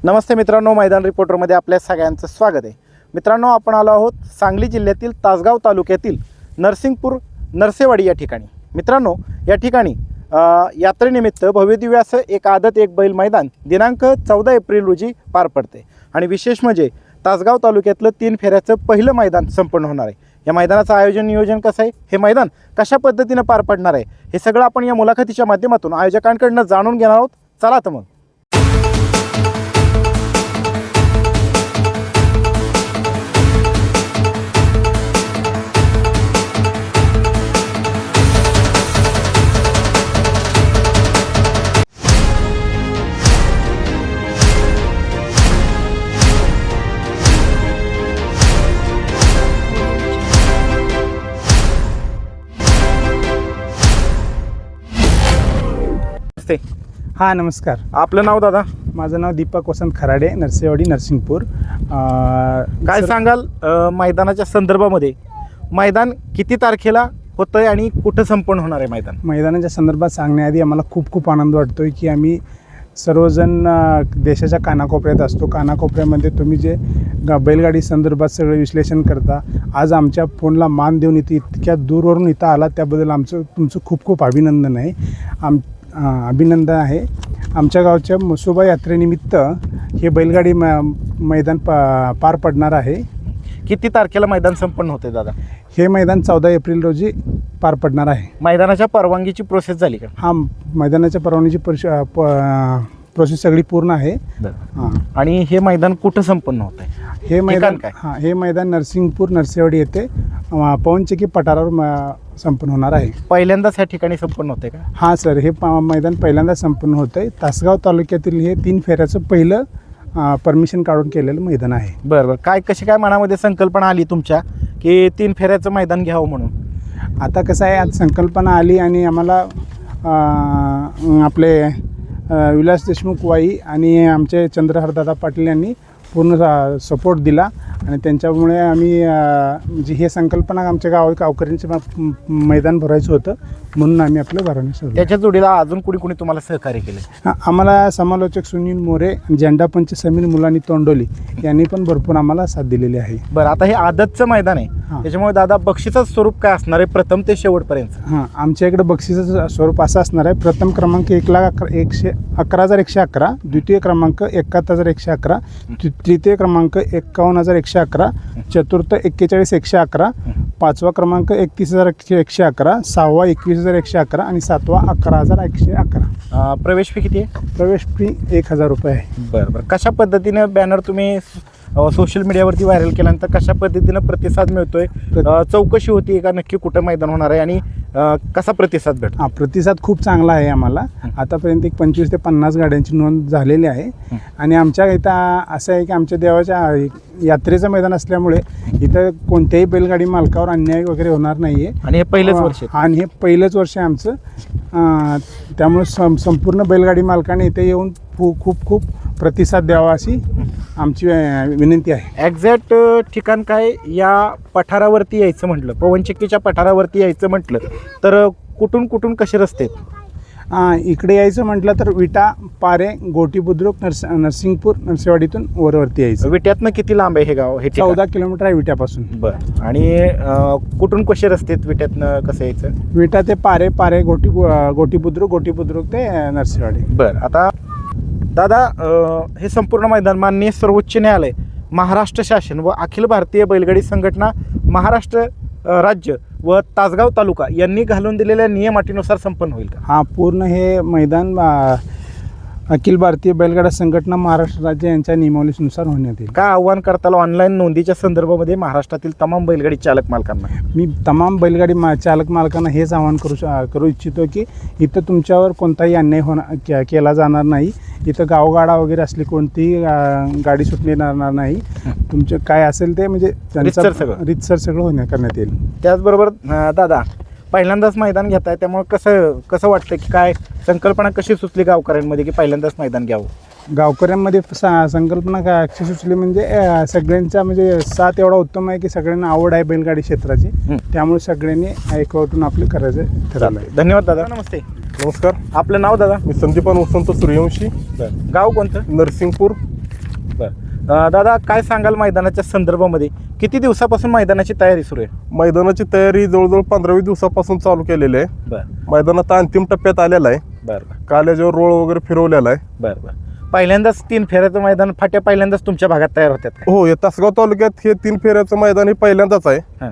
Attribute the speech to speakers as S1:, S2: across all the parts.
S1: नमस्ते मित्रांनो, मैदान रिपोर्टरमध्ये आपल्या सगळ्यांचं स्वागत आहे. मित्रांनो, आपण आलो आहोत सांगली जिल्ह्यातील तासगाव तालुक्यातील नरसिंगपूर नरसेवाडी या ठिकाणी. मित्रांनो, या ठिकाणी यात्रेनिमित्त भव्यदिव्य असं एक आदत एक बैल मैदान दिनांक 14 एप्रिल रोजी पार पडते. आणि विशेष म्हणजे तासगाव तालुक्यातलं 3 फेऱ्याचं पहिलं मैदान संपन्न होणार आहे. या मैदानाचं आयोजन नियोजन कसं आहे, हे मैदान कशा पद्धतीनं पार पडणार आहे, हे सगळं आपण या मुलाखतीच्या माध्यमातून आयोजकांकडून जाणून घेणार आहोत. चला तर मग.
S2: हां, नमस्कार.
S1: आपलं नाव दादा?
S2: माझं नाव दीपक वसंत खराडे, नरसेवाडी नरसिंगपूर.
S1: काय सांगाल मैदानाच्या संदर्भामध्ये? मैदान किती तारखेला होतं आहे आणि कुठं संपन्न होणार आहे मैदान?
S2: मैदानाच्या संदर्भात सांगण्याआधी आम्हाला खूप आनंद वाटतो आहे की आम्ही सर्वजण देशाच्या कानाकोपऱ्यात असतो. कानाकोपऱ्यामध्ये तुम्ही जे बैलगाडी संदर्भात सगळं विश्लेषण करता, आज आमच्या फोनला मान देऊन इतक्या दूरवरून इथं आला, त्याबद्दल तुमचं खूप अभिनंदन आहे. अभिनंदन आहे. आमच्या गावच्या म्हसोबा यात्रेनिमित्त हे बैलगाडी मैदान पार पडणार आहे.
S1: किती तारखेला मैदान संपन्न होते दादा?
S2: हे मैदान 14 एप्रिल रोजी पार पडणार आहे.
S1: मैदानाच्या परवानगीची प्रोसेस झाली का?
S2: हां, मैदानाच्या परवानगीची प्रोसेस सगळी पूर्ण आहे.
S1: हां. आणि हे मैदान कुठं संपन्न होत आहे?
S2: हे मैदान
S1: काय?
S2: हां, हे मैदान नरसिंगपूर नरसेवाडी येथे पवनचक्की पठारावर संपन्न होणार आहे.
S1: पहिल्यांदाच ह्या ठिकाणी संपन्न होते का?
S2: हां सर, हे मैदान पहिल्यांदा संपन्न होतं आहे. तासगाव तालुक्यातील हे 3 फेऱ्याचं पहिलं परमिशन काढून केलेलं मैदान आहे.
S1: बरं. कशी काय मनामध्ये संकल्पना आली तुमच्या की 3 फेऱ्याचं मैदान घ्यावं म्हणून?
S2: आता कसं आहे, आज संकल्पना आली आणि आम्हाला आपले विलास देशमुख वाई आणि आमचे चंद्रहरदादा पाटील यांनी पूर्ण सपोर्ट दिला आणि त्यांच्यामुळे आम्ही म्हणजे हे संकल्पना आमच्या गावकऱ्यांचे मैदान भरायचं होतं, म्हणून आम्ही आपलं भरवणे सुरू.
S1: त्याच्या जोडीला अजून कुणी तुम्हाला सहकार्य केलं?
S2: आम्हाला समालोचक सुनील मोरे, झेंडापंच समीर मुलानी तोंडोली यांनी पण भरपूर आम्हाला साथ दिलेली आहे.
S1: बरं, आता हे आदतचं मैदान आहे, त्याच्यामुळे दादा बक्षिसाचं स्वरूप काय असणार आहे प्रथम ते शेवटपर्यंत?
S2: हां, आमच्या इकडे बक्षिसाचं स्वरूप असं असणार आहे. प्रथम क्रमांक 1,11,111, द्वितीय क्रमांक 71,111, तृतीय क्रमांक 51,111, चतुर्थ 41,111, पाचवा क्रमांक 31,111, सहावा 21,111 आणि सातवा 11,111. प्रवेश फी किती आहे? प्रवेश फी 1,000 रुपये आहे.
S1: बरं. कशा पद्धतीने बॅनर तुम्ही सोशल मीडियावरती व्हायरल केल्यानंतर कशा पद्धतीनं प्रतिसाद मिळतोय? चौकशी होती का नक्की कुठं मैदान होणार आहे आणि कसा प्रतिसाद भेटतो?
S2: हां, प्रतिसाद खूप चांगला आहे. आम्हाला आतापर्यंत 25 ते 50 गाड्यांची नोंद झालेली आहे. आणि आमच्या इथं असं आहे की आमच्या देवाच्या यात्रेचं मैदान असल्यामुळे इथं कोणत्याही बैलगाडी मालकावर अन्याय वगैरे होणार नाही आहे.
S1: आणि हे पहिलंच वर्ष?
S2: आणि हे पहिलंच वर्ष आहे आमचं. त्यामुळे संपूर्ण बैलगाडी मालकाने इथे येऊन खूप प्रतिसाद द्यावा अशी आमची विनंती आहे.
S1: एक्झॅक्ट ठिकाण काय? या पठारावरती यायचं म्हटलं, पवनचक्कीच्या पठारावरती यायचं म्हटलं तर कुठून कसे रस्ते आहेत?
S2: इकडे यायचं म्हटलं तर विटा, पारे, गोटी बुद्रुक, नरसिंगपूर नरसेवाडीतून वरती यायचं.
S1: विट्यातनं किती लांब आहे हे गाव? हे
S2: 14 किलोमीटर आहे विट्यापासून.
S1: बरं. आणि कुठून कसे रस्ते आहेत विट्यातनं कसं यायचं?
S2: विटा ते पारे गोटी बुद्रुक ते नरसेवाडी.
S1: बरं. आता दादा, हे संपूर्ण मैदान माननीय सर्वोच्च न्यायालय, महाराष्ट्र शासन व अखिल भारतीय बैलगाडी संघटना महाराष्ट्र राज्य व तासगाव तालुका यांनी घालून दिलेल्या नियम अटीनुसार संपन्न होईल का?
S2: हां, पूर्ण हे मैदान अखिल भारतीय बैलगाडा संघटना महाराष्ट्र राज्य यांच्या नियमावलीनुसार होण्यात येईल.
S1: काय आव्हान करताल ऑनलाईन नोंदीच्या संदर्भामध्ये महाराष्ट्रातील तमाम बैलगाडी चालक मालकांना?
S2: मी तमाम बैलगाडी चालक मालकांना हेच आवाहन करू इच्छितो की इथं तुमच्यावर कोणताही अन्याय केला जाणार नाही. इथं गावगाडा वगैरे असली कोणतीही गाडी सुटणार नाही. तुमचं काय असेल ते म्हणजे
S1: रितसर
S2: सगळं करण्यात येईल.
S1: त्याचबरोबर दादा, पहिल्यांदाच मैदान घेत आहे, त्यामुळे कसं वाटतं की काय संकल्पना कशी सुचली गावकऱ्यांमध्ये की पहिल्यांदाच मैदान घ्यावं?
S2: गावकऱ्यांमध्ये संकल्पना कशी सुचली म्हणजे सगळ्यांचा म्हणजे साथ एवढा उत्तम आहे की सगळ्यांना आवड आहे बैलगाडी क्षेत्राची, त्यामुळे सगळ्यांनी एकवटून आपलं करायचं ठरवलं आहे.
S1: धन्यवाद दादा. नमस्ते.
S3: नमस्कार.
S1: आपलं नाव दादा?
S3: मी संदीपान वसंत सूर्यवंशी.
S1: गाव कोणतं?
S3: नरसिंगपूर.
S1: दादा काय सांगाल मैदानाच्या संदर्भामध्ये, किती दिवसापासून मैदानाची तयारी सुरू आहे?
S3: मैदानाची तयारी जवळजवळ 15-20 दिवसापासून चालू केलेली आहे.
S1: बरं
S3: मैदान आता अंतिम टप्प्यात आलेला आहे.
S1: बरं
S3: काल याच्यावर रोळ वगैरे फिरवलेला आहे.
S1: बरं पहिल्यांदाच 3 फेऱ्याचं मैदान फाट्या पहिल्यांदाच तुमच्या भागात तयार होत्यात का?
S3: हो, या तासगाव तालुक्यात हे 3 फेऱ्याचं मैदान हे पहिल्यांदाच आहे
S1: हां.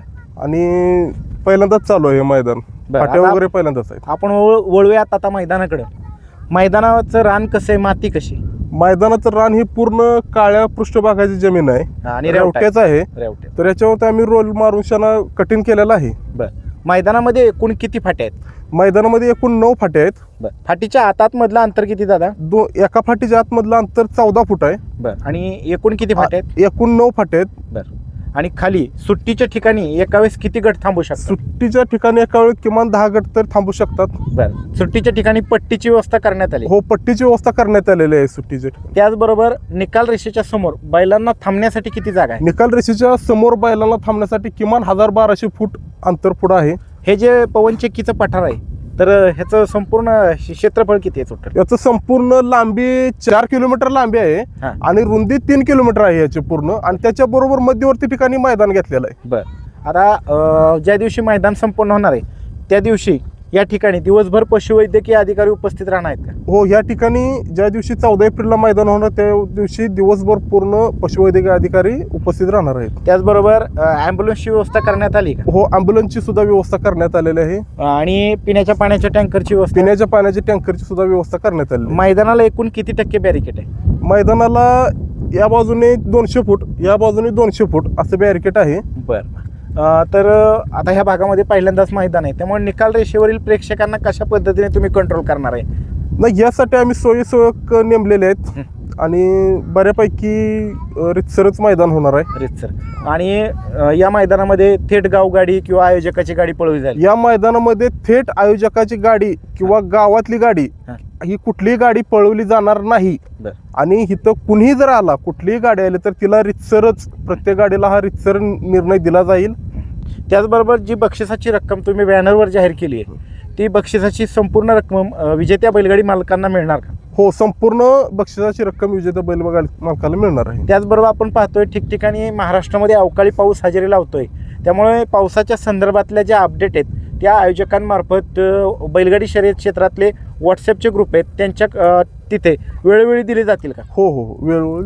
S3: आणि पहिल्यांदाच चालू आहे हे मैदान.
S1: बरं,
S3: फाट्या
S1: आता
S3: वगैरे पहिल्यांदाच आहे.
S1: आपण वळूयात आता मैदानाकडं. मैदानाचं रान कसं आहे, माती कशी?
S3: मैदानाचं रान ही पूर्ण काळ्या पृष्ठभागाची जमीन आहे
S1: आणि
S3: रेवट्याच आहे.
S1: रेवटे.
S3: तर याच्यावरती आम्ही रोल मारून शाना कटिंग केलेला आहे.
S1: बरं मैदानामध्ये एकूण किती फाट्या आहेत?
S3: मैदानामध्ये एकूण 9 फाट्या आहेत.
S1: बरं फाटीच्या आतामधलं अंतर किती दादा?
S3: एका फाटीच्या आतमधलं अंतर 14 फूट आहे.
S1: बरं आणि एकूण किती फाट्या आहेत?
S3: एकूण 9 फाट्या आहेत.
S1: बरं आणि खाली सुट्टीच्या ठिकाणी एका वेळेस किती गट थांबू शकतात?
S3: सुट्टीच्या ठिकाणी एका वेळी किमान 10 गट तर थांबू शकतात.
S1: बरं सुट्टीच्या ठिकाणी पट्टीची व्यवस्था करण्यात आली.
S3: हो, पट्टीची व्यवस्था करण्यात आलेली आहे सुट्टीच्या ठिकाणी.
S1: त्याचबरोबर निकाल रेषेच्या समोर बैलांना थांबण्यासाठी किती जागा आहे?
S3: निकाल रेषेच्या समोर बैलांना थांबण्यासाठी किमान 1200 फूट अंतर पुढं आहे.
S1: हे जे पवन चक्कीचं पठार आहे तर ह्याचं संपूर्ण क्षेत्रफळ किती आहे टोटल?
S3: याचं संपूर्ण लांबी 4 किलोमीटर लांबी आहे
S1: हां.
S3: आणि रुंदी 3 किलोमीटर आहे याची पूर्ण. आणि त्याच्याबरोबर मध्यवर्ती ठिकाणी मैदान घेतलेलं आहे.
S1: बरं आता ज्या दिवशी मैदान संपन्न होणार आहे त्या दिवशी या ठिकाणी दिवसभर पशुवैद्यकीय अधिकारी उपस्थित राहणार आहेत का?
S3: हो, या ठिकाणी ज्या दिवशी 14 एप्रिलला मैदान होणार त्या दिवशी दिवसभर पूर्ण पशुवैद्यकीय अधिकारी उपस्थित राहणार आहेत.
S1: त्याचबरोबर ॲम्ब्युलन्सची व्यवस्था करण्यात आली का?
S3: हो, ॲम्ब्युलन्सची सुद्धा व्यवस्था करण्यात आलेली आहे.
S1: आणि पिण्याच्या पाण्याच्या टँकरची व्यवस्था?
S3: पिण्याच्या पाण्याची टँकरची सुद्धा व्यवस्था करण्यात आलेली आहे.
S1: मैदानाला एकूण किती टक्के बॅरिकेड आहे?
S3: मैदानाला या बाजूने 200 फूट, या बाजूने 200 फूट असं बॅरिकेड आहे.
S1: बरं तर आता ह्या भागामध्ये पहिल्यांदाच मैदान आहे त्यामुळे निकाल रेषेवरील प्रेक्षकांना कशा पद्धतीने तुम्ही कंट्रोल करणार आहे?
S3: नाही, यासाठी आम्ही सोयीसोयक नेमलेले आहेत आणि बऱ्यापैकी रितसरच मैदान होणार आहे.
S1: रितसर. आणि या मैदानामध्ये थेट गावगाडी किंवा आयोजकाची गाडी पळवली जाईल?
S3: या मैदानामध्ये थेट आयोजकाची गाडी किंवा गावातली गाडी ही कुठलीही गाडी पळवली जाणार नाही.
S1: बरं.
S3: आणि इथं कुणीही जर आला, कुठलीही गाडी आली तर तिला रितसरच, प्रत्येक गाडीला हा रितसर निर्णय दिला जाईल.
S1: त्याचबरोबर जी बक्षिसाची रक्कम तुम्ही बॅनरवर जाहीर केली आहे ती बक्षिसाची संपूर्ण रक्कम विजेत्या बैलगाडी मालकांना मिळणार का?
S3: हो, संपूर्ण बक्षिसाची रक्कम विजेत्या बैलगाडी मालकाला मिळणार आहे.
S1: त्याचबरोबर आपण पाहतोय ठिकठिकाणी महाराष्ट्रामध्ये अवकाळी पाऊस हजेरी लावतोय त्यामुळे पावसाच्या संदर्भातल्या ज्या अपडेट आहेत त्या आयोजकांमार्फत बैलगाडी शर्यत क्षेत्रातले व्हॉट्सअपचे ग्रुप आहेत त्यांच्या तिथे वेळोवेळी दिले जातील का?
S3: हो हो, वेळोवेळी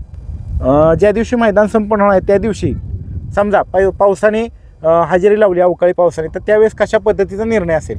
S3: दिलं.
S1: ज्या दिवशी मैदान संपन्न होणार आहे त्या दिवशी समजा पावसाने हजेरी लावली अवकाळी पावसाने तर त्यावेळेस कशा पद्धतीचा निर्णय असेल?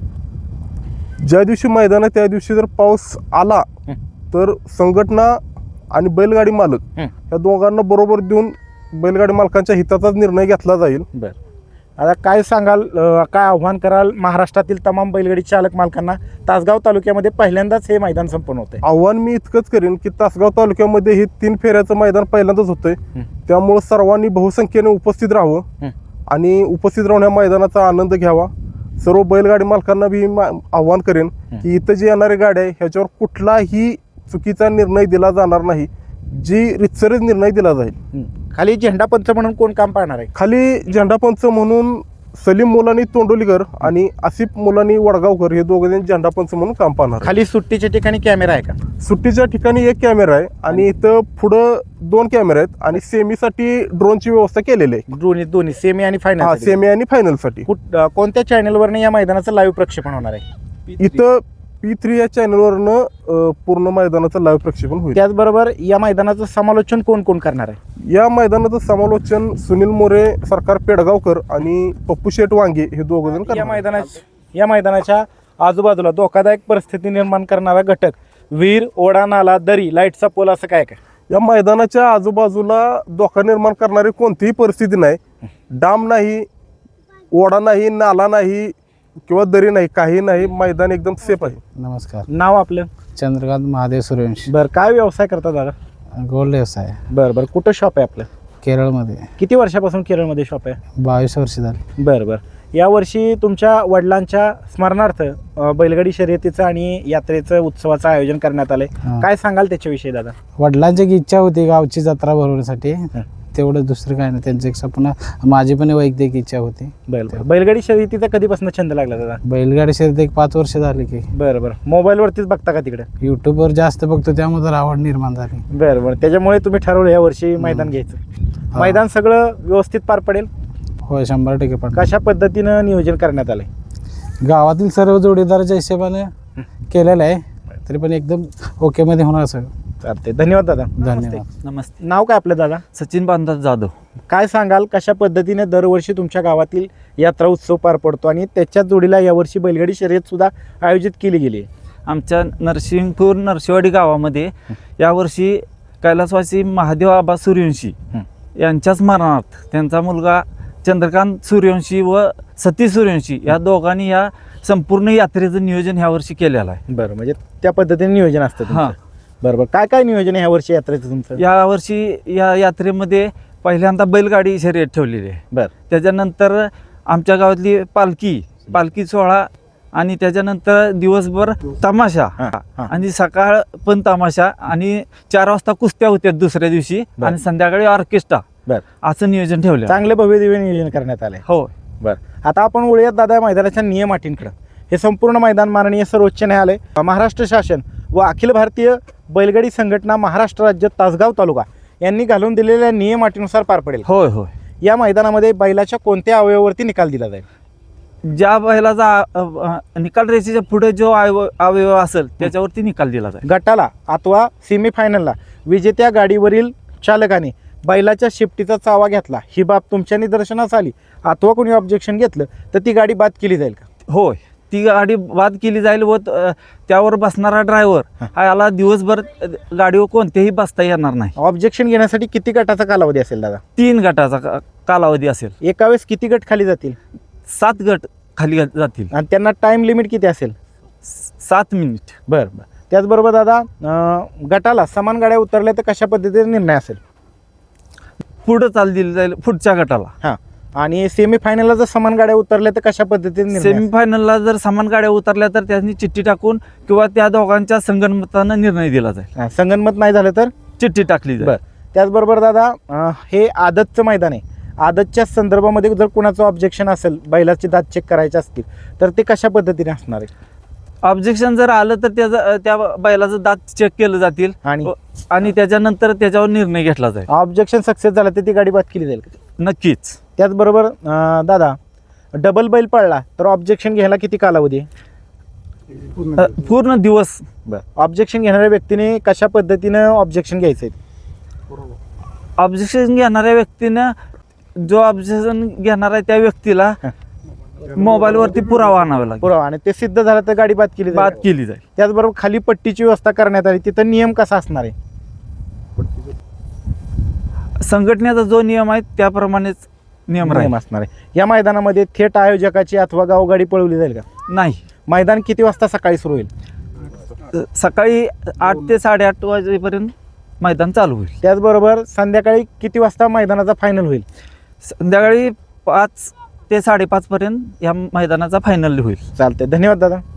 S3: ज्या दिवशी मैदान आहे त्या दिवशी जर पाऊस आला तर संघटना आणि बैलगाडी मालक या दोघांना बरोबर देऊन बैलगाडी मालकांच्या हिताचाच निर्णय घेतला जाईल.
S1: बरं आता काय सांगाल, काय आव्हान कराल महाराष्ट्रातील तमाम बैलगाडी चालक मालकांना? तासगाव तालुक्यामध्ये पहिल्यांदाच हे मैदान संपन्न होतंय.
S3: आव्हान मी इतकंच करेन की तासगाव तालुक्यामध्ये हे 3 फेऱ्याचं मैदान पहिल्यांदाच होतंय. त्यामुळे सर्वांनी बहुसंख्येने उपस्थित राहावं आणि उपस्थित राहून या मैदानाचा आनंद घ्यावा. सर्व बैलगाडी मालकांना बी आव्हान करेन की इथं जी येणारी गाडी आहे ह्याच्यावर कुठलाही चुकीचा निर्णय दिला जाणार नाही, जी रितसरच निर्णय दिला जाईल.
S1: खाली झेंडा पंच म्हणून कोण काम पाहणार आहे?
S3: खाली झेंडा पंच म्हणून सलीम मुलानी तोंडोलीकर आणि आसिफ मुलानी वडगावकर हे दोघे झेंडा पंच म्हणून काम पाहणार.
S1: खाली सुट्टीच्या ठिकाणी कॅमेरा आहे का?
S3: सुट्टीच्या ठिकाणी 1 कॅमेरा आहे आणि इथं पुढं 2 कॅमेरे आहेत आणि सेमीसाठी ड्रोनची व्यवस्था केलेली आहे.
S1: दोन्ही सेमी आणि फायनल?
S3: सेमी आणि फायनल साठी.
S1: कोणत्या चॅनलवरने या मैदानाचं लाईव्ह प्रक्षेपण होणार आहे?
S3: इथं P3 या चॅनलवरनं पूर्ण मैदानाचं लाईव्ह प्रक्षेपण होईल.
S1: त्याचबरोबर या मैदानाचं समालोचन कोण कोण करणार आहे?
S3: या मैदानाचं समालोचन सुनील मोरे, सरकार पेडगावकर आणि पप्पू शेठ वांगे हे दोघं जण करणार.
S1: या मैदानाच्या आजूबाजूला धोकादायक परिस्थिती निर्माण करणारा घटक विहीर, ओढा, नाला, दरी, लाईटचा पोल असं काय काय?
S3: या मैदानाच्या आजूबाजूला धोका निर्माण करणारी कोणतीही परिस्थिती नाही. डाम नाही, ओढा नाही, नाला नाही किंवा दरी नाही, काही नाही. मैदान एकदम सेफ आहे.
S4: नमस्कार,
S1: नाव आपलं?
S4: चंद्रकांत महादेव सूर्यवंशी.
S1: बरं काय व्यवसाय करता दादा?
S4: गोल्ड व्यवसाय.
S1: बरं कुठं शॉप आहे आपलं?
S4: केरळमध्ये.
S1: किती वर्षापासून केरळमध्ये शॉप आहे?
S4: 22 वर्ष झाली.
S1: बरं यावर्षी तुमच्या वडिलांच्या स्मरणार्थ बैलगाडी शर्यतीचं आणि यात्रेचं उत्सवाचं आयोजन करण्यात आलंय. काय सांगाल त्याच्याविषयी दादा?
S4: वडिलांची एक इच्छा होती गावची जत्रा भरवण्यासाठी, तेवढं दुसरं काय नाही. त्यांचं एक स्वप्न, माझी पण वैयक्तिक इच्छा होती.
S1: बैलगाडी शर्यतीचा कधीपासून छंद लागला दादा?
S4: बैलगाडी शर्यत एक 5 वर्ष झाली की.
S1: बरं मोबाईलवरतीच बघता का तिकडे?
S4: यूट्यूबवर जास्त बघतो, त्यामुळे तर आवड निर्माण झाली.
S1: बरं त्याच्यामुळे तुम्ही ठरवलं या वर्षी मैदान घ्यायचं. मैदान सगळं व्यवस्थित पार पडेल?
S4: होय, 100% पण.
S1: कशा पद्धतीनं नियोजन करण्यात आलंय?
S4: गावातील सर्व जोडीदाराच्या हिशोबाने केलेलं आहे, तरी पण एकदम ओके मध्ये होणार सगळं.
S1: चालते, धन्यवाद दादा.
S4: धन्यवाद.
S5: नमस्ते.
S1: नाव काय आपलं दादा?
S5: सचिन बांधव जाधव.
S1: काय सांगाल कशा पद्धतीने दरवर्षी तुमच्या गावातील यात्रा उत्सव पार पडतो आणि त्याच्याच जोडीला यावर्षी बैलगाडी शर्यत सुद्धा आयोजित केली गेली आहे?
S5: आमच्या नरसिंगपूर नरसिंहवाडी गावामध्ये यावर्षी कैलासवासी महादेव आबा सूर्यवंशी यांच्या स्मरणार्थ त्यांचा मुलगा चंद्रकांत सूर्यवंशी व सती सूर्यवंशी या दोघांनी या संपूर्ण यात्रेचं नियोजन ह्या वर्षी केलेलं आहे.
S1: बरं, म्हणजे त्या पद्धतीने नियोजन असतं तुमचं.
S5: हां.
S1: बरं काय काय नियोजन आहे ह्या वर्षी यात्रेचं तुमचं?
S5: यावर्षी या यात्रेमध्ये पहिल्यांदा बैलगाडी शर्यत ठेवलेली आहे.
S1: बरं.
S5: त्याच्यानंतर आमच्या गावातली पालखी सोहळा आणि त्याच्यानंतर दिवसभर तमाशा
S1: हां.
S5: आणि सकाळ पण तमाशा आणि 4 वाजता कुस्त्या होत्या दुसऱ्या दिवशी
S1: बरं.
S5: आणि संध्याकाळी ऑर्केस्ट्रा
S1: बरं.
S5: असं नियोजन ठेवलं.
S1: चांगले भव्य दिव्य नियोजन करण्यात आलंय.
S5: हो.
S1: बरं, आता आपण वळूयात दादा मैदानाच्या नियम अटींकडे. हे संपूर्ण मैदान माननीय सर्वोच्च न्यायालय, महाराष्ट्र शासन व अखिल भारतीय बैलगाडी संघटना महाराष्ट्र राज्य तासगाव तालुका यांनी घालून दिलेल्या नियम अटीनुसार पार पडेल.
S5: होय होय.
S1: या मैदानामध्ये बैलाच्या कोणत्या अवयवावरती निकाल दिला जाईल?
S5: ज्या बैलाचा निकाल रेषेच्या पुढे जो अवयव असेल त्याच्यावरती निकाल दिला जाईल.
S1: गटाला अथवा सेमीफायनलला विजेत्या गाडीवरील चालकाने बैलाच्या शिफ्टीचा चावा घेतला, ही बाब तुमच्या निदर्शनास आली अथवा कोणी ऑब्जेक्शन घेतलं तर ती गाडी बाद केली जाईल का?
S5: होय, ती गाडी बाद केली जाईल व त्यावर बसणारा ड्रायव्हर हा याला दिवसभर गाडीवर कोणतेही बसता येणार नाही.
S1: ऑब्जेक्शन घेण्यासाठी किती गटाचा कालावधी असेल दादा?
S5: 3 गटाचा कालावधी असेल.
S1: एका वेळेस किती गट खाली जातील?
S5: 7 गट खाली जातील
S1: आणि त्यांना टाइम लिमिट किती असेल?
S5: 7 मिनिट.
S1: बरं. त्याचबरोबर दादा गटाला समान गाड्या उतरल्या तर कशा पद्धतीने निर्णय असेल?
S5: पुढं चाल दिली जाईल पुढच्या गटाला.
S1: हां. आणि सेमीफायनलला जर समान गाड्या उतरल्या तर कशा पद्धतीने निर्णय असेल?
S5: सेमीफायनलला जर समान गाड्या उतरल्या तर त्यांनी चिठ्ठी टाकून किंवा त्या दोघांच्या संगनमतानं निर्णय दिला जाईल.
S1: हां, संगनमत नाही झालं तर
S5: चिठ्ठी टाकली जाईल.
S1: बरं. त्याचबरोबर दादा हे आदतचं मैदान आहे. आदतच्या संदर्भामध्ये जर कुणाचं ऑब्जेक्शन असेल, बैलाचे दात चेक करायचे असतील तर ते कशा पद्धतीने असणार आहे?
S5: ऑब्जेक्शन जर आलं तर त्या बैलाचं दात चेक केलं जातील आणि त्याच्यानंतर त्याच्यावर निर्णय घेतला जाईल.
S1: ऑब्जेक्शन सक्सेस झालं तर ती गाडी बाद केली जाईल का?
S5: नक्कीच.
S1: त्याचबरोबर दादा डबल बैल पडला तर ऑब्जेक्शन घ्यायला किती कालावधी आहे?
S5: पूर्ण दिवस.
S1: बरं. ऑब्जेक्शन घेणाऱ्या व्यक्तीने कशा पद्धतीनं ऑब्जेक्शन घ्यायचं आहे?
S5: ऑब्जेक्शन घेणाऱ्या व्यक्तीनं जो ऑब्जेक्शन घेणार आहे त्या व्यक्तीला मोबाईलवरती पुरावा आणावा लागेल.
S1: पुरावा, आणि ते सिद्ध झालं तर गाडी बाद केली
S5: बाद
S1: जाईल.
S5: केली जाईल.
S1: त्याचबरोबर खाली पट्टीची व्यवस्था करण्यात आली, तिथं नियम कसा असणार आहे?
S5: संघटनेचा जो नियम आहे त्याप्रमाणेच नियम राहील.
S1: असणार आहे. या मैदानामध्ये थेट आयोजकाची अथवा गावगाडी पळवली जाईल का?
S5: नाही.
S1: मैदान किती वाजता सकाळी सुरू होईल?
S5: सकाळी 8 ते 8:30 वाजेपर्यंत मैदान चालू होईल.
S1: त्याचबरोबर संध्याकाळी किती वाजता मैदानाचा फायनल होईल?
S5: संध्याकाळी 5 ते 5:30 पर्यंत या मैदानाचा फायनल होईल.
S1: चालतंय, धन्यवाद दादा.